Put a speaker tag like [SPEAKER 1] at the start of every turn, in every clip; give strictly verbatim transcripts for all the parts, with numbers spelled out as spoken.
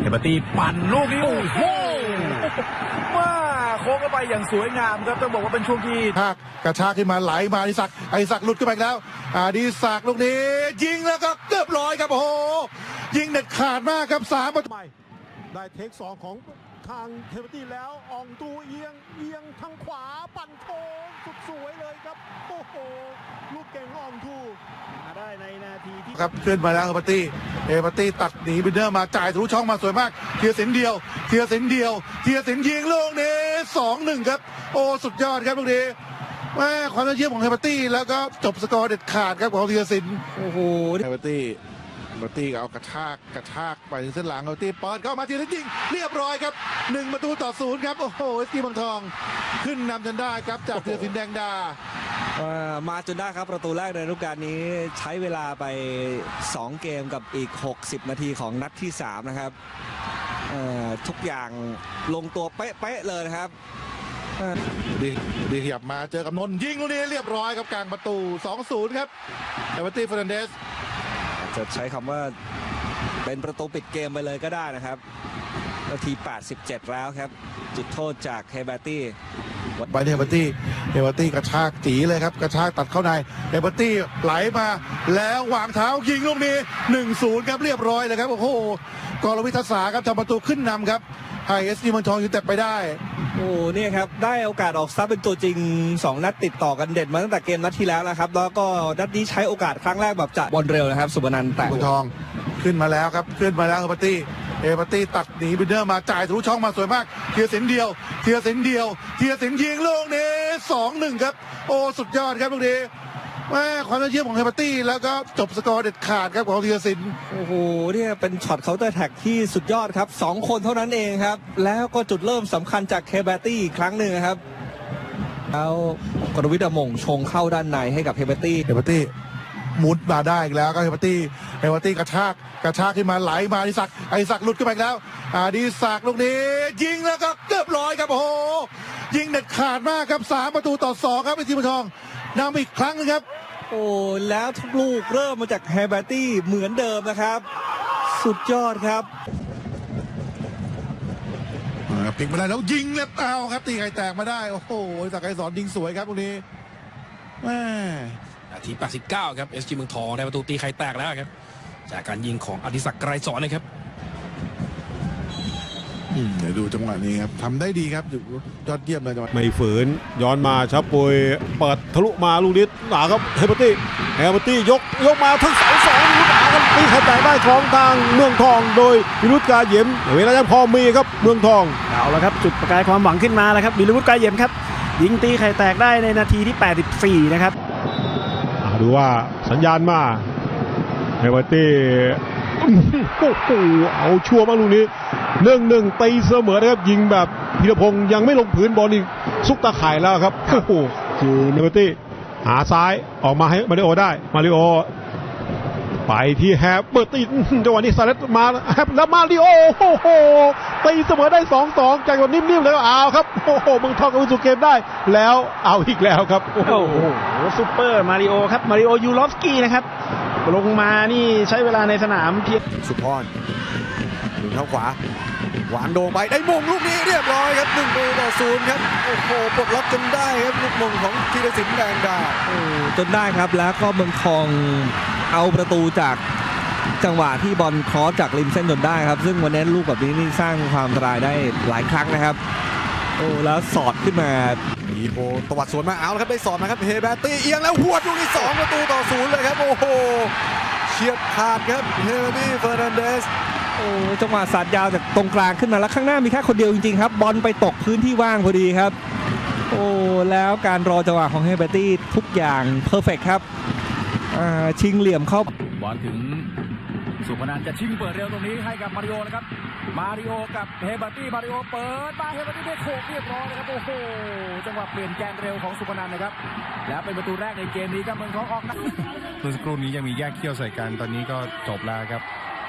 [SPEAKER 1] เฮเบอร์ตี้ปั่นลูกนี้โอ้โหว่าโค้งเข้าไปอย่างสวยงามครับต้องบอกว่าเป็นช่วงที่
[SPEAKER 2] กระชากขึ้นมาไหลมาอดิศักดิ์อดิศักดิ์หลุดขึ้นไปแล้วอดิศักดิ์ลูกนี้ยิงแล้วก็เกือบร้อยครับโอ้โหยิงเด็ดขาดมากครับสามประตู
[SPEAKER 3] ได้เทคสองของทางเฮเบอร์ตี้แล้วอองตูเอียงเอียงทางขวาปั่นโค้งสุดสวยเลยครับโอ้โหลูกเก่งของอองตูมาได้ในนาทีที่
[SPEAKER 2] ครับขึ้นมาแล้วเฮเบอร์ตี้เฮเบอร์ตี้ตัดหนีบินเดอร์มาจ่ายทะลุช่องมาสวยมากเทียสินเดียวเทียสินเดียวเทียสินยิงลูกนี้สองหนึ่งครับโอ้สุดยอดครับลูกนี้แม่ความยอดเยี่ยมของเฮเบอร์ตี้แล้วก็จบสกอร์เด็ดขาดครับของเทียสิน
[SPEAKER 1] โอ้โห
[SPEAKER 2] เฮเบอร์ตี้เฮเบอร์ตี้เอากระชากกระชากไปถึงเส้นหลังเฮเบอร์ตี้เปิดเข้ามาทีละยิงเรียบร้อยครับหนึ่งประตูต่อศูนย์ครับโอ้โหเอสกีบางทองขึ้นนำจนได้ครับจากเทียสินแดงดา
[SPEAKER 4] มาจนได้ครับประตูแรกในฤดูกาลนี้ใช้เวลาไปสองเกมกับอีกหกสิบนาทีของนัดที่สามนะครับทุกอย่างลงตัวเป๊ะๆเลยนะครับ
[SPEAKER 2] ดีดีขยับมาเจอกับนนท์ยิงลูกนี้เรียบร้อยครับกลางประตู สองศูนย์ ครับเอเวอร์ตี้เฟอร์นันเดส
[SPEAKER 4] จะใช้คำว่าเป็นประตูปิดเกมไปเลยก็ได้นะครับนาทีแปดสิบเจ็ดแล้วครับจุดโทษจากเฮเบอร์ตี้
[SPEAKER 2] ไปเฮเบอร์ตี้เฮเบอร์ตี้กระชากจีเลยครับกระชากตัดเข้าในเฮเบอร์ตี้ไหลมาแล้ววางเท้ายิงลูกนี้ หนึ่งศูนย์ ครับเรียบร้อยเลยครับโอ้โหกรวิทยาศาสตร์ครับทำประตูขึ้นนำครับให้เอสจีเมืองทองยูไนเต็ดไปได้
[SPEAKER 4] โอ้เนี่ยครับได้โอกาสออกซับเป็นตัวจริงสองนัดติดต่อกันเด็ดมาตั้งแต่เกมนัดที่แล้วนะครับแล้วก็นัดนี้ใช้โอกาสครั้งแรกแบบจะบอลเร็วนะครับสุบนันท์แต่
[SPEAKER 2] เมืองทองขึ้นมาแล้วครับขึ้นมาแล้วเฮเบอร์ตี้เฮเบอร์ตี้ตัดหนีบินเดอร์มาจ่ายทะลุช่องมาสวยมากเทียสินเดียวเทียสินเดียวเทียสินยิงลูกนี้ สองหนึ่ง ครับโอ้สุดยอดครับลูกนี้แม่ความยอดเยี่ยมของเฮเบอร์ตี้แล้วก็จบสกอร์เด็ดขาดครับของเทียสิน
[SPEAKER 4] โอ้โหเนี่ยเป็นช็อตเคาน์เตอร์แท็กที่สุดยอดครับสองคนเท่านั้นเองครับแล้วก็จุดเริ่มสำคัญจากเฮเบอร์ตี้อีกครั้งหนึ่งครับแล้วกรวิทย์มงชงเข้าด้านในให้กับเฮเบอร์ตี้
[SPEAKER 2] เฮเบอร์ตี้มุดมาได้อีกแล้วก็เฮเบอร์ตี้เฮเบอร์ตี้กระชากกระชากขึ้นมาไหลมาอดิศักดิ์อดิศักดิ์หลุดขึ้นไปแล้วอดิศักดิ์ลูกนี้ยิงแล้วก็เกือบร้อยครับโอ้โหยิงเด็ดขาดมากครับสามประตูต่อสองครับเอสจีเมืองทองนำอีกครั้งนึงครับ
[SPEAKER 4] โอ้แล้วทุกลูกเริ่มมาจากเฮเบอร์ตี้เหมือนเดิมนะครับสุดยอดครับ
[SPEAKER 2] พลิกมาได้แล้วยิงแล้วเอาครับตีไข่แตกมาได้โอ้โหสักไกรสอนยิงสวยครับตรงนี้แม่
[SPEAKER 1] นาทีแปดสิบเก้าครับ เอส จี เมืองทองได้ประตูตีไข่แตกแล้วครับจากการยิงของอดิศักดิ์ไกรสอนนะครับ
[SPEAKER 2] เดี๋ยวดูจังหวะนี้ครับทำได้ดีครับยอดเยี่ยมเลยจังหวะ
[SPEAKER 3] ไม่ฝืนย้อนมาชับปุยเปิดทะลุมาลูกนี้หนาครับเฮเบอร์ตี้เฮเบอร์ตี้ยกยกมาทั้งเสาสองลูกหนาครับตีไข่แตกได้ของทางเมืองทองโดยวิรุธกาเหยมเวลายังพอมีครับเมืองทอง
[SPEAKER 5] เอาละครับจุดประกายความหวังขึ้นมาแล้วครับวิรุธกาเหยมครับยิงตีไข่แตกได้ในนาทีที่แปดสิบสี่นะครับ
[SPEAKER 3] ดูว่าสัญญาณมาเฮเบอร์ตี้โอ้โหเอาชัวร์มากลูกนี้หนึ่งหนึ่งตีเสมอนะครับยิงแบบพีรพงศ์ยังไม่ลงพื้นบอลนี่ซุกตาข่ายแล้วครับโอ้โหคือเฮเบอร์ตี้หาซ้ายออกมาให้มาริโอได้มาริโอไปที่แฮปเบอร์ตี้จังหวะนี้ซาเลสมาแฮปแล้วมาริโอโอ้โหตีเสมอได้ สองสอง จากแบบนิ่มๆเลยเอาครับโอ้โหเมืองทองกับวิสุเกมได้แล้วเอาอีกแล้วครับ
[SPEAKER 5] โอ้โหซุปเปอร์มาริโอครับมาริโอยูรอฟสกี้นะครับลงมานี่ใช้เวลาในสนามเพียง
[SPEAKER 4] สุพรถึงเท้าขวาหวานโด่งไปได้มงลูกนี้เรียบร้อยครับหนึ่งประตูต่อศูนย์ครับโอ้โหปลดล็อกจนได้ครับลูกมงของธีรศิลป์แดงดาโอ้จนได้ครับแล้วก็เมืองทองเอาประตูจากจังหวะที่บอลครอสจากริมเส้นจนได้ครับซึ่งวันนี้ลูกแบบนี้นี่สร้างความอันตรายได้หลายครั้งนะครับโอ้แล้วสอดขึ้นมา
[SPEAKER 6] อีโบตวัดสวนมาเอาแล้วครับได้สอดนะครับเฮเบอร์ตี้เอียงแล้วหวดลูกที่สองประตูต่อศูนย์เลยครับโอ้โหเฉียบขาดครับเฮเบอร์ตี้เฟอร์นันเดส
[SPEAKER 4] โอ้จังหวะสาดยาวจากตรงกลางขึ้นมาแล้วข้างหน้ามีแค่คนเดียวจริงๆครับบอลไปตกพื้นที่ว่างพอดีครับโอ้แล้วการรอจังหวะของเฮเบอร์ตี้ทุกอย่างเพอร์เฟกต์ครับชิงเหลี่ยมเข้า
[SPEAKER 1] บอลถึงสุพนันท์จะชิงเปิดเร็วตรงนี้ให้กับมาริโอนะครับมาริโอกับเฮเบอร์ตี้มาริโอเปิดมาเฮเบอร์ตี้ได้โขกเรียบร้อยนะครับโอ้โหจังหวะเปลี่ยนแกนเร็วของสุพนันท์นะครับแล้วเป็นประตูแรกในเกมนี้ครับเมืองทองออกนะ
[SPEAKER 7] เมื่อสักครู่นี้ยังมีแยกเขี้ยวใส่กันตอนนี้ก็จบแล้วครับ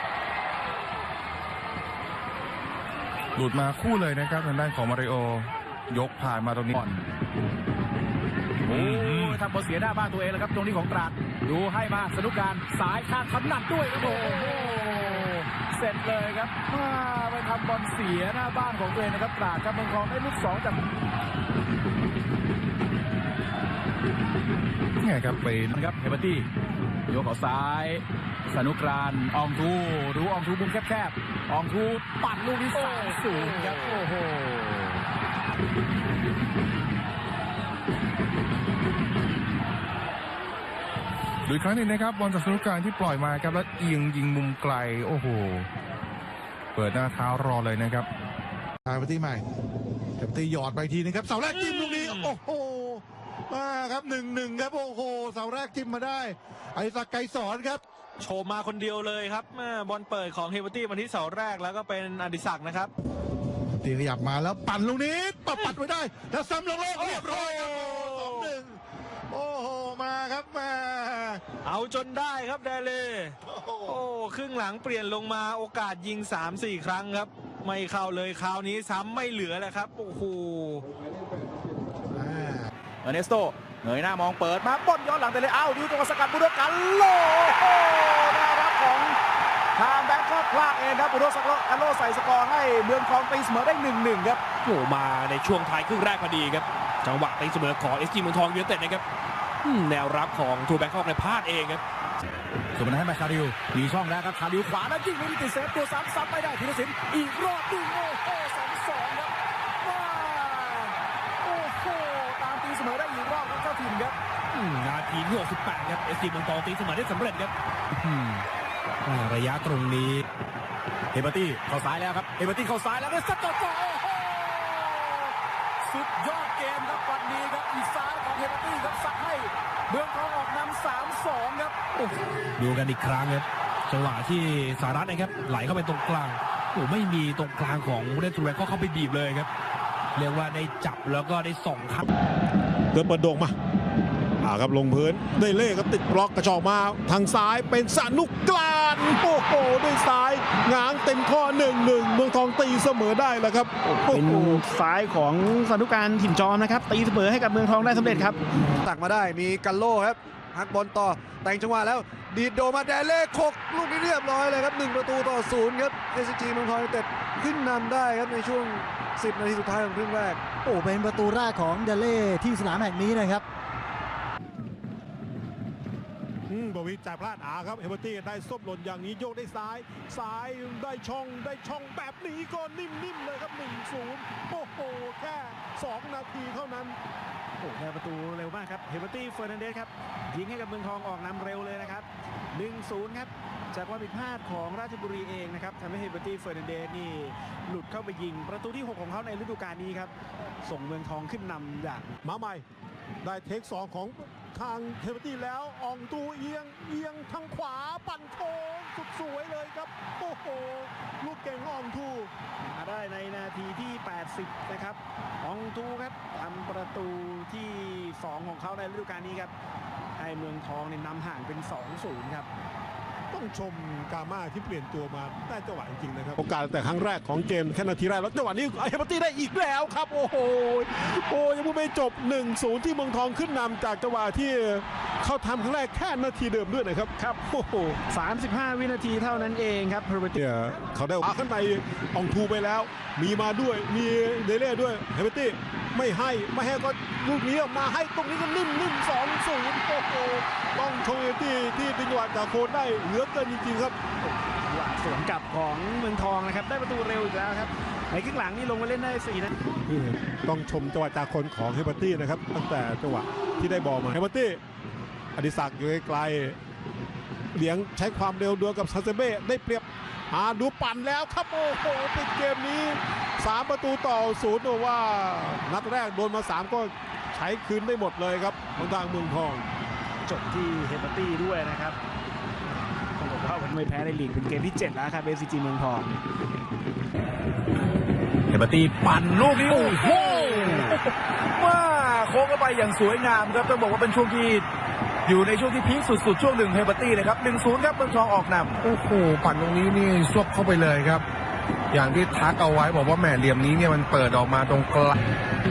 [SPEAKER 7] หลุดมาคู่เลยนะครับทางด้านของมาริโอยกผ่านมาตรงนี้
[SPEAKER 1] โอ้ทำบอลเสียหน้าบ้านตัวเองแล้วครับตรงนี้ของตราดดูให้มาสนุกการสายข้างขำหนักด้วยครับโอ้โหเสร็จเลยครับมาไปทำบอลเสียหน้าบ้านของตัวเองนะครับตราดครับเมืองทองได้ลูกสองจาก
[SPEAKER 7] นี่ไงครับไป
[SPEAKER 1] นะครับเฮเบอร์ตี้โยกเขาซ้ายสนุกรานอองทูดูอองทูมุมแคบๆอองทูปั่นลูกนี้สามศูนย์ครับโอ้โห
[SPEAKER 7] ดูอีกครั้งหนึงนะครับบอลจากสนุกการที่ปล่อยมาครับแล้วเอียงยิงมุมไกลโอ้โหเปิดหน้าเท้ารอเลยนะครับ
[SPEAKER 2] ทางไปที่ใหม่เต็มตีหยอดไปทีนึงครับเสาแรกจิ้มลูกนี้โอ้โหมาครับหนึ่งหนึ่งครับโอ้โหเสาแรกจิ้มมาได้ไอศักดิ์ไกรสอนครับ
[SPEAKER 5] โชว์มาคนเดียวเลยครับแม่บอลเปิดของเฮเบอร์ตี้มาที่เสาแรกแล้วก็เป็นอดิศักดิ์นะครับ
[SPEAKER 2] ตีขยับมาแล้วปั่นลูกนี้ปัดปัดไว้ได้แล้วซ้ำลงโลกเรียบร้อยครับสองหนึ่งโอ้โหมาครับมา
[SPEAKER 5] เอาจนได้ครับเดเล่โอ้ครึ่งหลังเปลี่ยนลงมาโอกาสยิง สามสี่ ครั้งครับไม่เข้าเลยคราวนี้ซ้ำไม่เหลือแล้วครับโอ้โห
[SPEAKER 1] เออร์เนสโตเงยหน้ามองเปิดมาป้อนย้อนหลังไปเลยอ้าวดูจังหวะสกัดบุโรกันโลโอ้น่ารักของทางแบงค์ก็พลาดเองครับบุโรสักโลกันโลใส่สกอร์ให้เมืองทองตีเสมอได้ หนึ่งหนึ่ง ครับ
[SPEAKER 8] โอ้มาในช่วงท้ายครึ่งแรกพอดีครับจังหวะตีเสมอของ เอส จี เมืองทองยูไนเต็ดนะครับอืมแนวรับของทูแบงคอกในพลาดเองครับ
[SPEAKER 1] ส่งมาให้มาคาริวมีช่องแล้วครับคาริวขวาแล้วยิงไม่ได้ติดเซฟตัวซ้ำซ้ำไม่ได้ธีรศิลป์อีกรอบดึงโอ้โหสองสองครับว้าโอ้โหตามตีเสมอได้อีกรอบครับเจ้าถิ่นครับ
[SPEAKER 8] อืมนาทีที่หกสิบแปดครับ เอส จี เมืองทองตีเสมอได้สำเร็จครับอืมอ่าระยะตรงนี้
[SPEAKER 1] เฮเบอร์ตี้เข้าซ้ายแล้วครับเฮเบอร์ตี้เข้าซ้ายแล้วก็ซัดต่อต่อโอ้โหสุดยอดเกมครับวันนี้ครับอีกซ้ายของเฮเบอร์ตี้ครับซัดให้เมืองทองออกนำ สามสอง ครับโอ้โห
[SPEAKER 8] ดูกันอีกครั้งครับจังหวะที่สารัตนะครับไหลเข้าไปตรงกลางโอ้ไม่มีตรงกลางของผู้เล่นทูแบงคอกเข้าไปบีบเลยครับเรียกว่าได้จับแล้วก็ได้ส่องครับ
[SPEAKER 3] เดินเปิดโด่งมาอ่าครับลงพื้นได้เล่ครับติดบล็อกกระชอกมาทางซ้ายเป็นสนุกกลานโอ้โหด้วยซ้ายง้างเต็มข้อหนึ่งหนึ่งเมืองทองตีเสมอได้แล้วครับโอ้
[SPEAKER 5] เป็น
[SPEAKER 3] โห
[SPEAKER 5] ซ้ายของสนุการถิ่นจอมนะครับตีเสมอให้กับเมืองทองได้สำเร็จครับ
[SPEAKER 6] ตักมาได้มีกันโลครับฮักบอลต่อแต่งจังหวะแล้วดีดโดมาแดเล่คกลูกนี้เรียบร้อยเลยครับหนึ่งประตูต่อศูนย์ครับ เอส จี เมืองทองยูไนเต็ดขึ้นนำได้ครับในช่วงสิบนาทีสุดท้ายของครึ่งแรก
[SPEAKER 9] โอ้เป็นประตูแรกของเดเล่ที่สนามแห่งนี้นะครับ
[SPEAKER 3] อืมบวิจ่ายพลาดอาครับเฮเบอร์ตี้ได้ส้มหล่นอย่างนี้โยกได้ซ้าย ซ้ายได้ช่องได้ช่องแบบนี้ก็นิ่มๆเลยครับ หนึ่งศูนย์ โอ้โหแค่สองนาทีเท่านั้น
[SPEAKER 5] โอ้ได้ประตูเร็วมากครับเฮเบอร์ตี้เฟอร์นันเดสครับยิงให้กับเมืองทองออกนำเร็วเลยนะครับ หนึ่งศูนย์ ครับจากความผิดพลาดของราชบุรีเองนะครับทำให้เฮเบอร์ตี้เฟอร์นันเดสนี่หลุดเข้าไปยิงประตูที่หกของเขาในฤดูกาลนี้ครับส่งเมืองทองขึ้นนำอย่าง
[SPEAKER 3] มาใหม่ ได้เทคสองของทางเฮเบอร์ตี้แล้วอองตูเอียงเอียงทางขวาปั่นโค้งสุดสวยเลยครับ โอ้โห ลูกเก่งของอองตู
[SPEAKER 5] มาได้ในนาทีที่ แปดสิบ นะครับอองตูครับทำประตูที่สองของเขาในฤดูกาลนี้ครับให้เมืองทองเนี่ยนำห่างเป็น สองศูนย์ ครับ
[SPEAKER 3] ต้องชมกาม่าที่เปลี่ยนตัวมาได้จังหวะจริงๆนะครับโอกาสแต่ครั้งแรกของเกมแค่นาทีแรกแล้วจังหวะนี้เฮเบอร์ตี้ได้อีกแล้วครับโอ้โหโอ้ยังไม่จบ หนึ่งศูนย์ ที่เมืองทองขึ้นนำจากจังหวะที่เขาทำครั้งแรกแค่นาทีเดิมด้วยนะครับครับโอ้โห
[SPEAKER 5] สามสิบห้า วินาทีเท่านั้นเองครับเฮเบอร์ตี้
[SPEAKER 3] เนี่ยเขาได้อาขึ้นไปอองทูไปแล้ว มีมาด้วยมีเดเล่ด้วยเฮเบอร์ตี้ไม่ให้ไม่ให้ก็ลูกนี้มาให้ตรงนี้ก็นิ่มนิ่มสองศูนย์โอ้โหต้องชมเฮเบอร์ตี้ที่ดึงจังหวะจากโคนได้เหลือเกินจริงๆครับ
[SPEAKER 5] หวาสวนกลับของเมืองทองนะครับได้ประตูเร็วอีกแล้วครับในครึ่งหลังนี่ลงมาเล่นได้สี่นาที
[SPEAKER 3] นี่ต้องชมจังหวะจากคนของเฮเบอร์ตี้นะครับตั้งแต่จังหวะที่ได้บอลมาเฮเบอร์ตี้อดิศักดิ์อยู่ไกลๆเหลียงใช้ความเร็วดวลกับซาเซเบ้ได้เปรียบอ่าดูปั่นแล้วครับโอ้โหปิดเกมนี้สามประตูต่อศูนย์ว่านัดแรกโดนมาสามก็ใช้คืนได้หมดเลยครับของทางเมืองทอง
[SPEAKER 5] จบที่เฮเบอร์ตี้ด้วยนะครับต้องบอกว่าวันไม่แพ้ในลีกเป็นเกมที่เจ็ดแล้วครับ เอส ซี เมืองทอง
[SPEAKER 1] เฮเบอร์ตี้ปั่นลูกนี้โอ้โหว้าโค้งเข้าไปอย่างสวยงามครับต้องบอกว่าเป็นช่วงที่อยู่ในช่วงที่พีคสุดๆช่วงหนึ่งเฮเบอร์ตี้เลยครับ หนึ่งศูนย์ ครับเมืองทองออกนำ
[SPEAKER 7] โอ้โหปั่นตรงนี้นี่ซวบเข้าไปเลยครับ อย่างที่ทักเอาไว้บอกว่าแหม่เหลี่ยมนี้เนี่ยมันเปิดออกมาตรงกลาง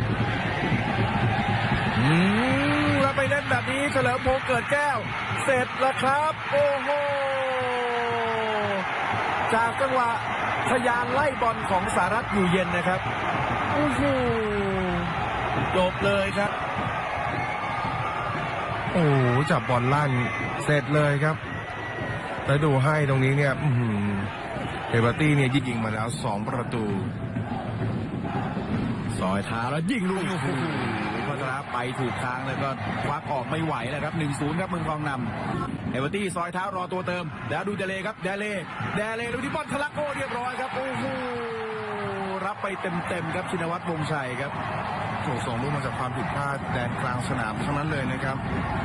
[SPEAKER 1] อืมแล้วไปเล่นแบบนี้เฉลิมพงษ์เกิดแก้วเสร็จแล้วครับโอ้โหจากจังหวะทะยานไล่บอลของสหรัฐอยู่เย็นนะครับโอ้โหจบเลยครับ
[SPEAKER 7] โอ้โหจับบอลลั่นเสร็จเลยครับแล้วดูให้ตรงนี้เนี่ยเฮเบอร์ตี้เนี่ยยิงมาแล้วสองประตู
[SPEAKER 1] ซอยเท้าแล้วยิงลูกนี้โอ้โหพัทรไปถูกทางแล้วก็ควักออกไม่ไหวแล้วครับ หนึ่งศูนย์ ครับเมืองทองนำเอเวอร์ตี้ซอยเท้ารอตัวเติมแล้วดูเดเลครับเดเลเดเลดูที่บอลทะลักโอ้เรียบร้อยครับโอ้โหรับไปเต็มๆครับชินวัตรวงศ์ชัยครับ
[SPEAKER 7] โอ้ส่งลูกมาจากความผิดพลาดแดนกลางสนามทั้งนั้นเลยนะครับ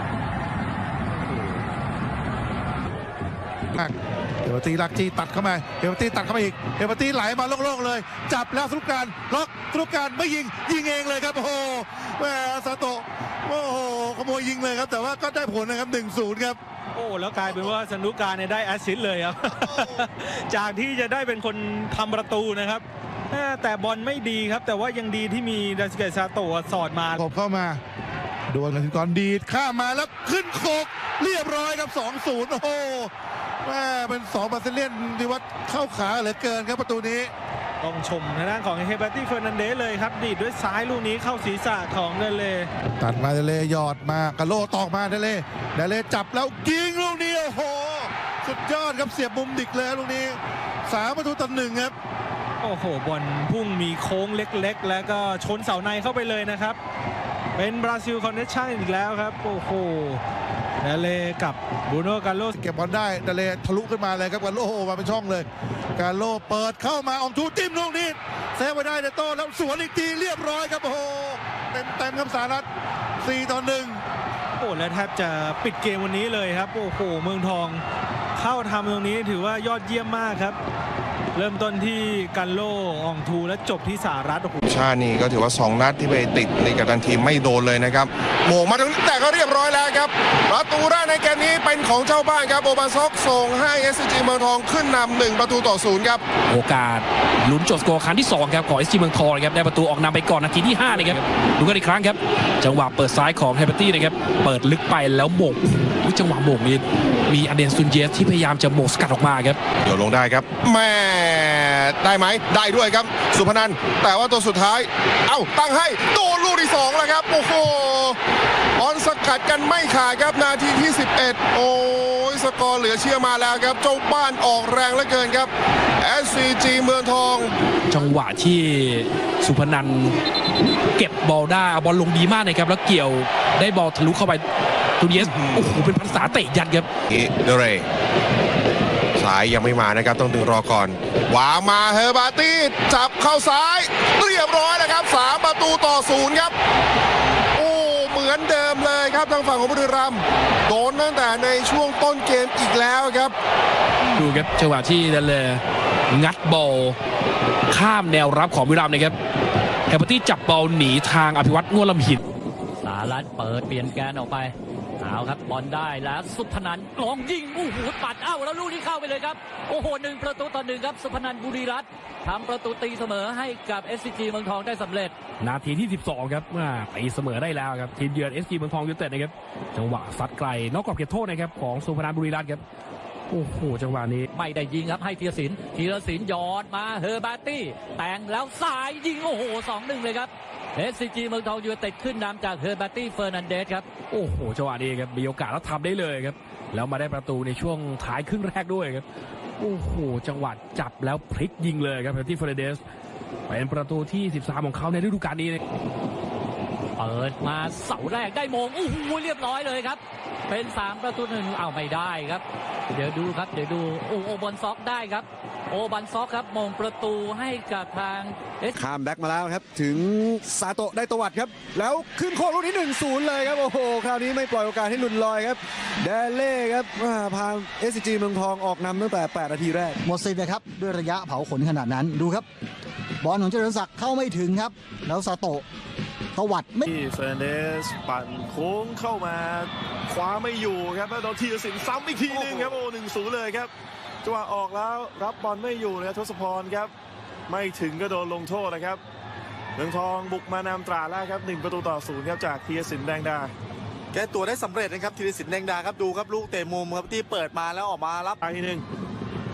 [SPEAKER 2] เฮเบอร์ตี้ลักจี้ตัดเข้ามาเฮเบอร์ตี้ตัดเข้ามาอีกเฮเบอร์ตี้ไหลมาโล่งๆเลยจับแล้วสรุปการล็อกสรุปการไม่ยิงยิงเองเลยครับโอ้โหแหมซาโตะโอ้โหขโมยยิงเลยครับแต่ว่าก็ได้ผลนะครับ หนึ่งศูนย์ ครับ
[SPEAKER 5] โอ้แล้วกลายเป็นว่าสนุกการเนี่ยได้แอสซิสต์เลยครับ จากที่จะได้เป็นคนทำประตูนะครับแต่บอลไม่ดีครับแต่ว่ายังดีที่มีดาสเกตซาโตะสอดมา
[SPEAKER 2] ขบเข้ามาดวลกันก่อนดีดข้ามมาแล้วขึ้นโคกเรียบร้อยครับ สองศูนย์ โอ้โหแม่เป็นสองบาซิเลียนที่ว่าเข้าขาเหลือเกินครับประตูนี้
[SPEAKER 5] ต้องชมทางด้านของเฮเบอร์ตี้เฟอร์นันเดสเลยครับดีดด้วยซ้ายลูกนี้เข้าศีรษะของเดเล
[SPEAKER 2] ตัดมาเดเลหยอดมากระโลตอกมาเดเลเดเลจับแล้วยิงลูกนี้โอ้โหสุดยอดครับเสียบมุมดิกเลยลูกนี้สามประตูต่อหนึ่งครับ
[SPEAKER 5] โอ้โหบอลพุ่งมีโค้งเล็กๆแล้วก็ชนเสาในเข้าไปเลยนะครับเป็นบราซิลคอนเนคชั่นอีกแล้วครับโอ้โหเดเลกับบรูโน่กาโล
[SPEAKER 2] เก็บบอลได้เดเลทะลุขึ้นมาเลยครับกาโลมาเป็นช่องเลยกาโลเปิดเข้ามาอองทูจิ้มลูกนี้เซฟไว้ได้เดโต้แล้วสวนอีกทีเรียบร้อยครับโอ้โหเต็มเต็มครับสหรัฐสี่ต่อหนึ่ง
[SPEAKER 5] โอ้และแทบจะปิดเกมวันนี้เลยครับโอ้โหเมืองทองเข้าทำตรงนี้ถือว่ายอดเยี่ยมมากครับเริ่มต้นที่กันโลอองทูและจบที่สหรัฐโอ้โห
[SPEAKER 10] ชาตินี่ก็ถือว่าสองนัดที่ไปติดในกัปตันทีมไม่โดนเลยนะครับโมงมาถึงแต่ก็เรียบร้อยแล้วครับประตูแรกในเกมนี้เป็นของเจ้าบ้านครับโอบาซอกส่งให้ เอส ซี จี เมืองทองขึ้นนำหนึ่งประตูต่อศูนย์ครับ
[SPEAKER 11] โอกาสลุ้นจบสกอร์ครั้งที่สองครับของ เอส จี เมืองทองครับได้ประตูออกนำไปก่อนนาทีที่ห้านะครับดูกันอีกครั้งครับจังหวะเปิดซ้ายของเฮเบอร์ตี้นะครับเปิดลึกไปแล้วโมงจังหวะโมงนี้มีอเดนซุนเยสที่พยายามจะโมงสกัดออกมาครับ
[SPEAKER 10] เดี๋ยวลงได้ครับแม่ได้ไหมได้ด้วยครับสุพนันท์แต่ว่าตัวสุดท้ายเอ้าตั้งให้โดนลูกที่สองแล้วครับโอ้โหบอลสกัดกันไม่ขาดครับนาทีที่สิบเอ็ดโอ้ยสกอร์เหลือเชื่อมาแล้วครับเจ้าบ้านออกแรงเหลือเกินครับ เอส ซี จี เมืองทอง
[SPEAKER 11] จังหวะที่สุพนันท์เก็บบอลได้เอาบอลลงดีมากนะครับแล้วเกี่ยวได้บอลทะลุเข้าไปตูเยสโอ้โหเป็นภาษาเตะยัดครับ
[SPEAKER 10] เดเรสายยังไม่มานะครับต้องดึงรอก่อนวางมาเฮอร์บาตี้จับเข้าซ้ายเรียบร้อยนะครับสามประตูต่อศูนย์ครับโอ้เหมือนเดิมเลยครับทางฝั่งของบุรีรัมย์โดนตั้งแต่ในช่วงต้นเกมอีกแล้วครับ
[SPEAKER 11] ดูครับจังหวะที่นั่นเลยงัดบอลข้ามแนวรับของบุรีรัมย์นะครับเฮอร์บาตี้จับบอลหนีทางอภิวัตรง่วนลำหิน
[SPEAKER 12] สารัตเปิดเปลี่ยนแกนออกไปเอาครับบอลได้แล้วสุพนันท์ลองยิงโอ้โหปัดเอ้าแล้วลูกนี้เข้าไปเลยครับโอ้โหหนึ่งประตูต่อหนึ่งครับสุพนันท์บุรีรัตน์ทำประตูตีเสมอให้กับ เอส ซี จี เมืองทองได้สำเร็จ
[SPEAKER 11] นาทีที่สิบสองครับตีเสมอได้แล้วครับทีมเยือน เอส จี เมืองทองยูไนเต็ดนะครับจังหวะซัดไกลนอกกรอบเขตโทษนะครับของสุพนันท์บุรีรัตน์ครับโอ้โหจังหวะนี้
[SPEAKER 12] ไม่ได้ยิงครับให้ธีรศิลป์ธีรศิลป์ยอดมาเฮอร์บาตี้แต่งแล้วสายยิงโอ้โห สองหนึ่ง เลยครับ เอส ซี จี เมืองทองยูไนเต็ดขึ้นนำจากเฮอร์บาตี้เฟอร์นันเดสครับ
[SPEAKER 11] โอ้โหจังหวะนี้ครับมีโอกาสแล้วทำได้เลยครับแล้วมาได้ประตูในช่วงท้ายครึ่งแรกด้วยครับโอ้โหจังหวะจับแล้วพลิกยิงเลยครับเฮอร์บาตี้เฟอร์นันเดสเป็นประตูที่สิบสามของเขาในฤดูกาลนี้
[SPEAKER 12] เปิดมาเสาแรกได้โมงโอ้โหเรียบร้อยเลยครับเป็นสามประตูหนึ่งเอาไม่ได้ครับเดี๋ยวดูครับเดี๋ยวดูโอโอบอลซ็อกได้ครับโอบันซ็อกครับมงประตูให้กับทาง
[SPEAKER 6] ข้ามแบ็กมาแล้วครับถึงซาโตะได้ตวัดครับแล้วขึ้นโค้งลูกนี้ หนึ่งศูนย์ เลยครับโอ้โหคราวนี้ไม่ปล่อยโอกาสให้หลุดลอยครับเดเล่ครับพา เอส ซี จี เมืองทองออกนำตั้งแต่แปดนาทีแรก
[SPEAKER 9] หมดสิทธิ์นะครับด้วยระยะเผาขนขนาดนั้นดูครับบอลของเจริญศักดิ์เข้าไม่ถึงครับแล้วซาโตะตวัดไม่
[SPEAKER 5] เฟอร์นันเดสปั่นโค้งเข้ามาคว้าไม่อยู่ครับแล้วโดนธีรศิลป์ซ้ำอีกทีนึงครับโอ้ หนึ่งศูนย์ เลยครับจังหวะออกแล้วรับบอลไม่อยู่นะครับทศพรครับไม่ถึงก็โดนลงโทษนะครับเมืองทองบุกมานำตราแล้วครับหนึ่งประตูต่อศูนย์ครับจากธีรศิลป์แดงดา
[SPEAKER 6] แก้ตัวได้สำเร็จนะครับธีรศิลป์แดงดาครับดูครับลูกเตะมุมครับที่เปิดมาแล้วออกมารับ
[SPEAKER 5] อีกทีนึง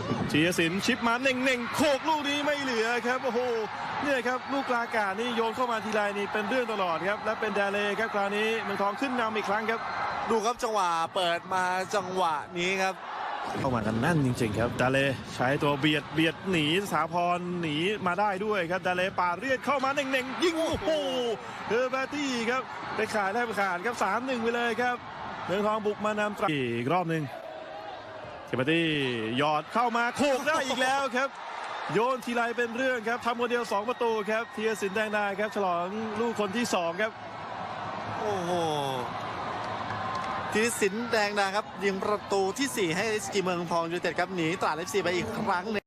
[SPEAKER 5] ธีรศิลป์ชิปมาเน่งๆโขกลูกนี้ไม่เหลือครับโอ้โหเนี่ยครับลูกกลางอากาศนี่โยนเข้ามาทีไรนี่เป็นเรื่องตลอดครับและเป็นแดเลครับคราวนี้เมืองทองขึ้นนำอีกครั้งครับ
[SPEAKER 6] ดูครับจังหวะเปิดมาจังหวะนี้ครับ
[SPEAKER 5] เข้ามากันแน่นจริงๆครับดาเลใช้ตัวเบียดเบียดหนีสถาพรหนีมาได้ด้วยครับดาเลปาดเรียดเข้ามาเน่งๆยิงโอ้โหเฮอร์เบอร์ตี้ครับไปขายได้ไปขาดครับ สามหนึ่ง ไปเลยครับเมืองทองบุกมานำอีกรอบหนึ่งเฮอร์เบอร์ตี้หยอดเข้ามาโขกได้อีกแล้วครับโยนทีไรเป็นเรื่องครับทำคนเดียวสองประตูครับธีรศิลป์แดงดาครับฉลองลูกคนที่สองครับ
[SPEAKER 6] โอ้โหธีรศิลป์แดงดาครับยิงประตูที่สี่ให้ เอส จี เมืองทองยูไนเต็ดครับหนีตราด เอฟ ซี ไปอีกครั้งหนึ่ง